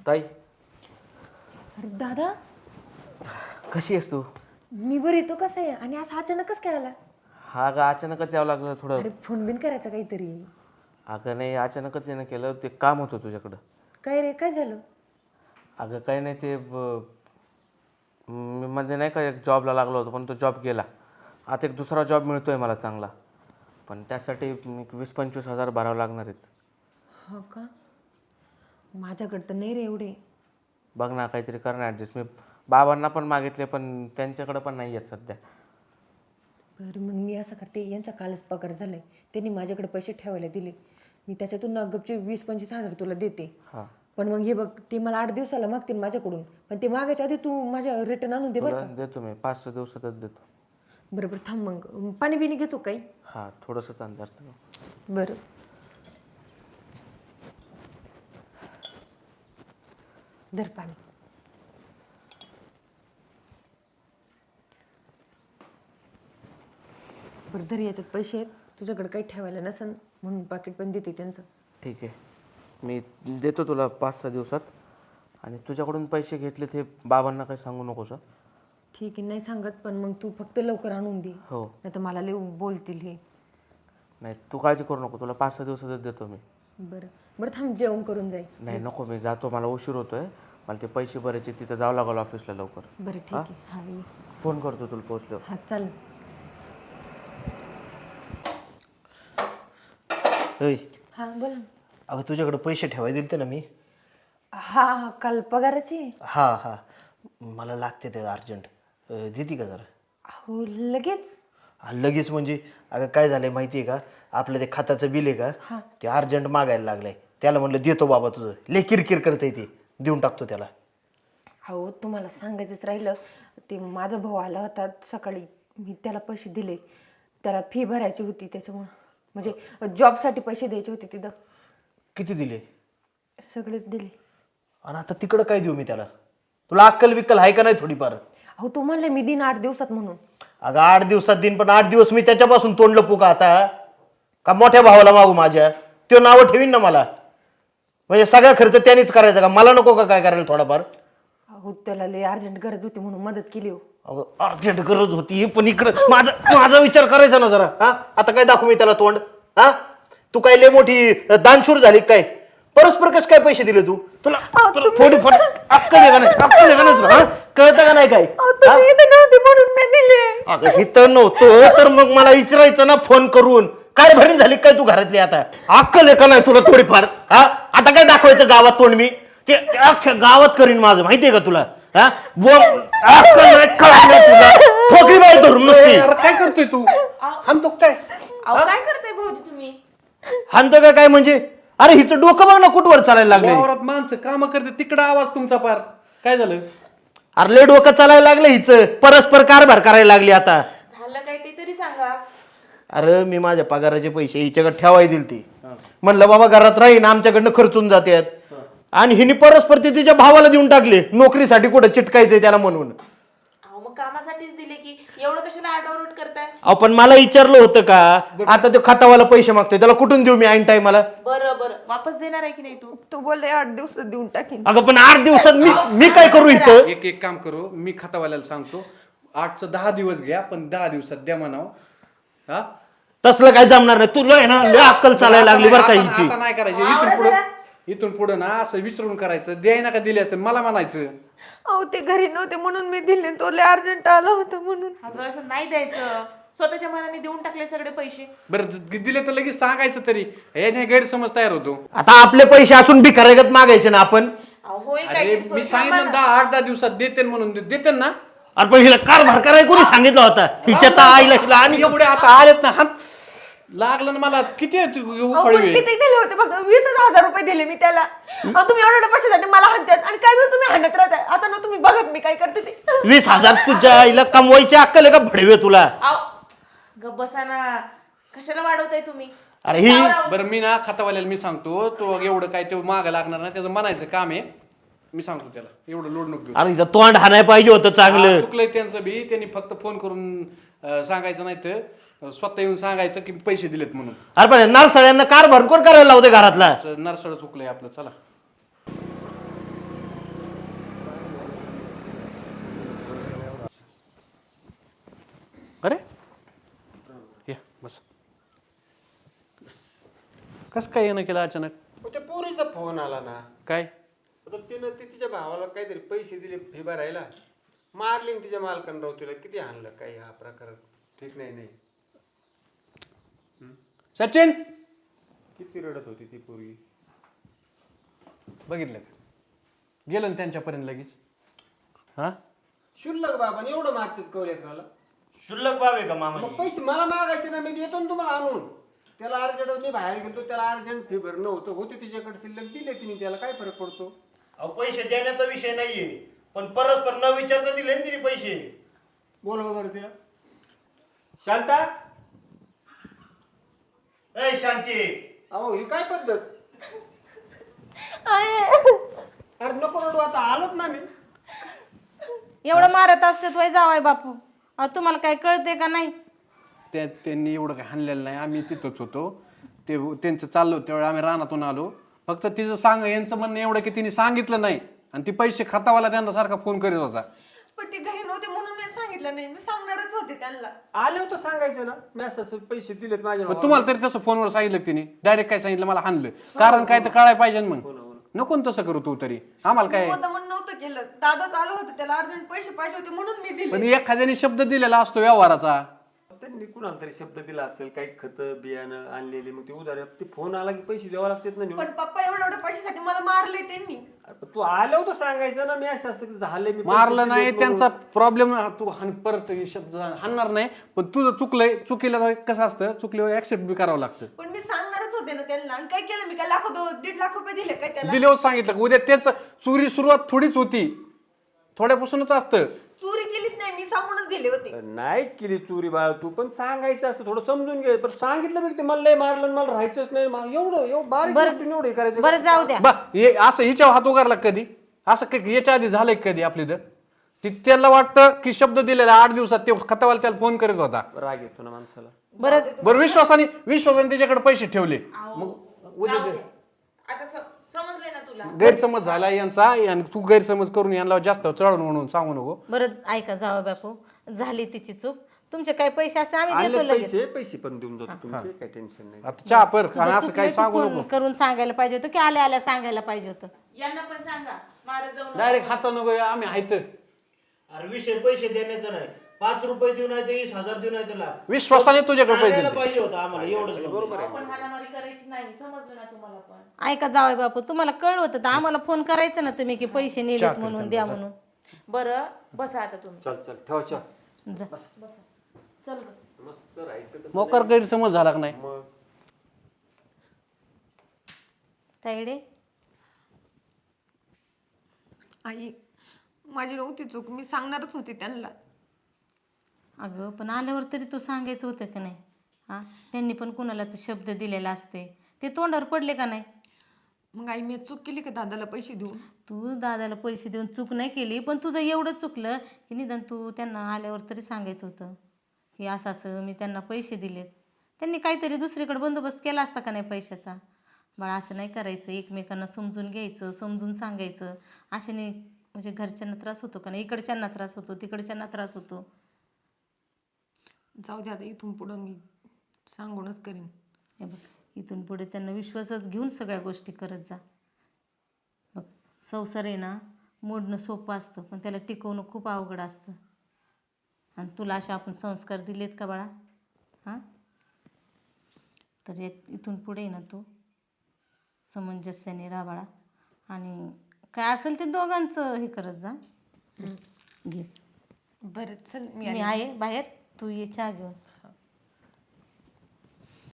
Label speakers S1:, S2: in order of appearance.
S1: ताई
S2: अरे दादा,
S1: कशी आहेस तू?
S2: मी बरी. तो कसं आहे? आणि आज अचानकच काय आला?
S1: हा अगं अचानकच यावं लागलं थोडं.
S2: अरे फोन बिन करायचा काहीतरी.
S1: अगं नाही अचानकच येणं केलं, ते काम होतं तुझ्याकडं.
S2: काय रे, काय झालं?
S1: अगं काही नाही ते मी म्हणजे नाही का एक जॉबला लागलो होतो, पण तो जॉब गेला. आता एक दुसरा जॉब मिळतो आहे मला चांगला, पण त्यासाठी 20-25 हजार भरावं लागणार आहेत.
S2: हो का? माझ्याकडे तर नाही रे एवढे.
S1: बघ ना काहीतरी कर ना ॲडजस्ट. मी बाबांना पण मागितले, पण त्यांच्याकडं पण नाही आहेत सध्या.
S2: बरं मग मी असं करते, यांचा कालच पगार झालाय, त्यांनी माझ्याकडे पैसे ठेवायला दिले. मी त्याच्यातून ना गपचे 20-25 हजार तुला देते.
S1: हां
S2: पण मग हे बघ, ते मला 8 दिवसाला मागतील माझ्याकडून, पण ते मागायच्या आधी तू माझ्या रिटर्न आणून दे बरं
S1: तुला
S2: का.
S1: देतो मी 5-6 दिवसातच देतो.
S2: बरं बरं थांब, मग पाणी बिणी घेतो काही.
S1: हां थोडंसंच अंदाज.
S2: बरं. धर पाणी. बरं धर, याच्यात पैसे आहेत, तुझ्याकडे काही ठेवायला नसेल म्हणून पाकिट पण देते त्यांचं.
S1: ठीक आहे, मी देतो तुला 5-6 दिवसात. आणि तुझ्याकडून पैसे घेतले ते बाबांना काही सांगू नकोस हं?
S2: ठीक आहे, नाही सांगत, पण मग तू फक्त लवकर आणून दे,
S1: हो.
S2: नाही तर मला लय बोलतील हे.
S1: नाही तू काळजी करू नको, तुला 5-6 दिवसातच देतो मी.
S2: बरं बरं थांब, जेवण करून जाईल.
S1: नाही नको, मी जातो, मला उशीर होतोय. मला ते पैसे भरायचे, तिथं जावं लागलं ऑफिसला लवकर.
S2: बरं ठीक आहे. हां ये.
S1: फोन करतो तुला पोचलो.
S2: हां चाल.
S3: होय.
S2: हां बोल ना.
S3: अगं तुझ्याकडे पैसे ठेवायला दिलते ना मी.
S2: हां हां काल पगाराची.
S3: हा हा मला लागते ते अर्जंट. देते का जरा?
S2: हो लगेच.
S3: लगेच म्हणजे अगं काय झालंय माहिती आहे का, आपलं ते खताचं बिल आहे का, ते अर्जंट मागायला लागलंय. त्याला म्हणलं देतो बाबा, तुझं लय किरकिर करतंय, ते देऊन टाकतो त्याला.
S2: हो तुम्हाला सांगायचंच राहिलं, ते माझा भाऊ आला होता सकाळी, मी त्याला पैसे दिले. त्याला फी भरायची होती, त्याच्यामुळं म्हणजे जॉबसाठी पैसे द्यायचे होते तिथं.
S3: किती दिले?
S2: सगळेच दिले.
S3: आणि आता तिकडं काय देऊ मी त्याला? तुला अक्कल बिक्कल आहे का नाही थोडीफार?
S2: अहो तू म्हणले मी दिन 8 दिवसात म्हणून.
S3: अगं 8 दिवसात दिन, पण 8 दिवस मी त्याच्यापासून तोंड लपू का आता? का मोठ्या भावाला मागू माझ्या? तो नावं ठेवीन ना मला. म्हणजे सगळा खर्च त्यानेच करायचा का? मला नको का काय करायला थोडाफार?
S2: अहो त्याला लय अर्जंट गरज होती म्हणून मदत केली हो.
S3: अगं अर्जंट गरज होती, पण इकडं माझा विचार करायचा ना जरा. हा आता काय दाखवू मी त्याला तोंड? हा तू काय लय मोठी दानशूर झाली काय? परस्पर कसं काय पैसे दिले तू? तुला थोडीफार अक्कल आहे का नाही? अक्कल आहे का नाही तुला? कळतं का नाही काय?
S2: म्हणून मी दिले.
S3: अगं इथं नव्हतं तर मग मला विचारायचं ना फोन करून. काय भरीन झाली काय तू घरातली? आता अक्कल आहे का नाही तुला थोडीफार? हा आता काय दाखवायचं गावात तोंड मी? ते अख्ख्या गावात करीन माझं, माहितीये का तुला? हा अक्कल नाही, कळत नाही तुला. ठोकरी बाई धरून नसती.
S4: काय करतोय तू? हाणतो काय?
S5: काय करताय भाऊजी तुम्ही?
S3: हाणतो का काय म्हणजे? अरे हिचं डोकं बघ ना कुठवर चालायला लागले.
S4: वावरात माणसं काम करते, तिकडं आवाज तुमचा पार. काय झालं?
S3: अरे लय डोकं चालायला लागलं हिचं. परस्पर कारभार करायला लागली आता.
S5: झालं काय ते तरी सांगा.
S3: अरे मी माझ्या पगाराचे पैसे हिच्याकडे ठेवाय दिल ती. म्हणलं बाबा घरात राहीन, आमच्याकडनं खर्चून जातात. आणि हिने परस्पर ते तिच्या भावाला देऊन टाकले, नोकरीसाठी कुठं चिटकायचंय त्याला म्हणून.
S5: अहो मग कामासाठीच दिले की, एवढं कशाला आरडाओरड करताय?
S3: आपण मला विचारलं होतं का? आता तो खातावाला पैसे मागतोय, त्याला कुठून देऊ मी ऐन टायमाला?
S5: बरं बरं वापस देणार आहे की नाही तू?
S2: तू बोलले 8 दिवसात देऊन टाकीन.
S3: अगं पण 8 दिवसात मी काय करू इथं?
S4: एक काम करू, मी खातावाल्याला सांगतो, 8चं 10 दिवस घ्या, पण 10 दिवसात द्या म्हणाव. हा
S3: तसलं काय जमणार नाही. तुला आहे ना लय अक्कल चालायला लागली बरं का हिची.
S4: आता नाही करायचं. इथून पुढं ना असं विचारून करायचं. द्याय ना का दिले असते मला म्हणायचं.
S2: अहो ते घरी नव्हते म्हणून मी दिले, तो लय अर्जंट आला होता म्हणून.
S5: अगं असं नाही द्यायचं, स्वतःच्या मनाने देऊन टाकले सगळे पैसे.
S4: बरं दिले तर लगेच सांगायचं तरी, याने गैरसमज तयार होतो.
S3: आता आपले पैसे असून भिकाऱ्यागत मागायचे ना आपण?
S5: अहो होईल
S4: अरे
S5: काय?
S4: मी सांगितलं 10-8 दिवसात देते म्हणून देते ना.
S3: अरे पण हिला कारभार करायला कोणी सांगितलं होता? हिच्या तर आईला हिला आणि
S4: एवढे आता आलेत ना, हात लागलं ना मला. किती उफळवे?
S2: किती दिले होते? फक्त 20,000 रुपये दिले मी त्याला. तुम्ही एवढ्या पैशासाठी मला हाणतात आणि काय वेळ तुम्ही हाणत राहताय. आता ना तुम्ही बघत मी काय करते ते.
S3: 20,000 तुझ्या आईला कमवायची अक्कल आहे का भडवे तुला?
S5: अहो गप्प बसा ना, कशाला वाढवताय तुम्ही?
S3: अरे ही
S4: बरं मी ना खातावाल्याला मी सांगतो, तो एवढं काय ते मागं लागणार नाही, त्याचं म्हणायचं काम आहे. मी सांगतो त्याला, एवढं लोड नको घेऊ.
S3: अरे हिचं तोंड हाणाय पाहिजे होतं चांगलं.
S4: चुकलंय त्यांचं बी. त्यांनी फक्त फोन करून सांगायचं, नाही तर स्वतः येऊन सांगायचं की पैसे दिलेत म्हणून.
S3: अरे पण नरसळ्यांना कारभार कोण करायला लावते घरातला?
S4: नरसळ चुकलंय आपलं. चला बस. कसं काय येणं केलं अचानक?
S6: त्या पोरीचा फोन आला ना.
S4: काय?
S6: आता तिनं तिच्या भावाला काहीतरी पैसे दिले फी भरायला, मारली न तिच्या मालकानं राव. तिला किती हाणलं काय हा प्रकार ठीक नाही.
S4: सचिन
S6: किती रडत होती ती पोरगी.
S4: बघितलं का? गेलं ना त्यांच्यापर्यंत लगेच. हा
S6: शुल्लक बाबा एवढं मागतात कवलेकराला.
S3: शुल्लक बाब आहे का मामा
S6: मग पैसे मला मागायचे ना, मी देतो ना तुम्हाला आणून. त्याला अर्जंट मी बाहेर गेलो, त्याला अर्जंट फी भरणं होते तिच्याकडे शिल्लक दिले तिने. त्याला काय फरक पडतो?
S3: अहो पैसे देण्याचा विषय नाहीये, पण परस्पर न विचारता दिले ना तिने पैसे.
S6: बोलवा बरं तिला. शांता,
S3: ए शांती,
S6: अहो ही काय पद्धत?
S2: आहे.
S6: अरे नको रडू, आता आलोच ना मी.
S7: एवढं मारत असते तो जावाय बापू. अहो तुम्हाला काय कळते का नाही?
S4: त्यांनी एवढं काही हाणलेलं नाही. आम्ही तिथंच होतो. ते त्यांचं चाललो त्यावेळी आम्ही रानातून आलो. फक्त तिचं यांचं म्हणणं एवढं की तिने सांगितलं नाही आणि ती पैसे खातावाला त्यांना सारखा फोन करीत होता.
S2: पण ते घरी नव्हते म्हणून मी सांगितलं नाही. मी सांगणारच होते त्यांना.
S6: आले होतं सांगायचं ना, मी असं पैसे दिलेत माझ्या
S4: मग तुम्हाला तरी तसं फोनवर सांगितलं की तिने? डायरेक्ट काय सांगितलं? मला हाणलं. कारण काय तर कळायला पाहिजे ना. मग नको ना तसं करू तू तरी. आम्हाला काय,
S2: होतं म्हणून नव्हतं केलं. दादाच आलं होतं, त्याला अर्जंट पैसे पाहिजे होते म्हणून मी दिले.
S4: पण एखाद्याने शब्द दिलेला असतो व्यवहाराचा.
S6: त्यांनी कुणाला तरी शब्द दिला असेल, काही खतं बियाणं आणलेली, मग ते उधार ते फोन आला की पैसे द्यावा लागतात ना नेऊन.
S2: पण पप्पा एवढ्या पैशासाठी मला मारले त्यांनी.
S6: अरे पण तू आलं होतं सांगायचं ना, मी असं झालंय, मी पैसे
S4: मारलं नाही
S6: दिलेत म्हणून.
S4: त्यांचा प्रॉब्लेम. तू परत हे शब्द हाणणार नाही. पण तुझं चुकलंय. चुकीला कसं असतं, चुकल्यावर ऍक्सेप्ट बी करावं लागतं.
S2: पण मी सांगणारच होते ना त्यांना. आणि काय केलं मी? काय 1.5 लाख रुपये दिले काय त्याला?
S4: दिल्यावर सांगितलं का उद्या त्याच चोरी सुरुवात थोडीच होती, थोड्यापासूनच असतं.
S2: चोरी केलीच नाही, मी सांगूनच दिले होते.
S6: नाही केली चोरी बाळ तू, पण सांगायचं असतं, थोडं समजून घे. पण सांगितलं बघ ते मला लय मारलं, मला राहायचंच नाही. एवढं बारीक गोष्टीने एवढं हे करायचं.
S7: बरं जाऊ द्या.
S4: हे असं हिच्यावर हात उगारला कधी? असं काही याच्या आधी झालंय कधी आपली तर? त्याला वाटतं की शब्द दिलेला 8 दिवसात ते खतावाला त्याला फोन करत होता.
S6: राग येतो ना माणसाला.
S4: बरं विश्वासाने त्याच्याकडे पैसे ठेवले. मग उद्या
S5: जाऊ दे. आता समजले ना तुला?
S4: गैरसमज झाला यांचा आणि तू गैरसमज करून यांना जास्त चढवून म्हणून सांगू नको.
S7: बरं ऐका जावं बापू, झाली तिची चूक. तुमचे काही पैसे असते आम्ही देतो
S6: आले
S7: लगेच.
S6: पैसे पण देऊन जातो तुमचे, काही टेन्शन नाही.
S4: आता चहा पर
S7: तुझं
S4: आणि असं
S7: चुकलं
S4: काही
S7: की
S4: सांगू
S7: फोन
S4: नको.
S7: करून सांगायला पाहिजे होतं की आल्या आल्या सांगायला पाहिजे होतं.
S5: यांना पण सांगा, मारा जाऊन.
S4: डायरेक्ट हात नको. आम्ही आहेत.
S3: अरे विषय पैसे देण्याचा नाही. 5 रुपये देऊ नाही ते 20,000 देऊ नाही त्याला.
S4: विश्वासाने तुझ्याकडे पैसे
S3: सांगायला
S4: दिले.
S3: पाहिजे होतं आम्हाला एवढंच. बरोबर आहे.
S5: पण हाणामारी करायची नाही, समजलं ना तुम्हाला पण?
S7: ऐका जावय बापू, तुम्हाला कळलं होतं तर आम्हाला फोन करायचं ना तुम्ही की पैसे नेलेत म्हणून द्या म्हणून.
S5: बरं बसा आता तुम्ही.
S6: चल ठेवा चहा.
S7: जा.
S5: चल ग.
S6: मस्त राहायचं तसं.
S4: मोकार गैरसमज झाला का नाही?
S6: मग
S7: ताईडे
S2: आई, माझी नव्हती चूक. मी सांगणारच होते त्यांना.
S7: अगं पण आल्यावर तरी तू सांगायचं होतं की नाही? हा, त्यांनी पण कुणाला तर शब्द दिलेला असते, ते तोंडावर पडले का नाही?
S2: मग आई, मी चूक केली का दादाला पैसे देऊन?
S7: तू दादाला पैसे देऊन चूक नाही केली, पण तुझं एवढं चुकलं की निदान तू त्यांना आल्यावर तरी सांगायचं होतं की असं असं मी त्यांना पैसे दिलेत. त्यांनी काहीतरी दुसरीकडे बंदोबस्त केला असता का नाही पैशाचा? बाळा असं नाही करायचं. एकमेकांना समजून घ्यायचं, समजून सांगायचं. अशाने म्हणजे घरच्यांना त्रास होतो का नाही? इकडच्यांना त्रास होतो, तिकडच्यांना त्रास होतो.
S2: जाऊ दे आता, इथून पुढं मी सांगूनच करीन.
S7: हे बघ, इथून पुढे त्यांना विश्वासात घेऊन सगळ्या गोष्टी करत जा. बघ, संसार आहे ना, मोडणं सोपं असतं पण त्याला टिकवणं खूप अवघड असतं. आणि तुला असे आपण संस्कार दिलेत का बाळा? हां, तर इथून पुढे ना तू समंजस्याने राहा बाळा. आणि काय असेल ते दोघांचं हे करत जा. चल, घे.
S2: बरं चल,
S7: मी आहे बाहेर, तू ये चहा घेऊन.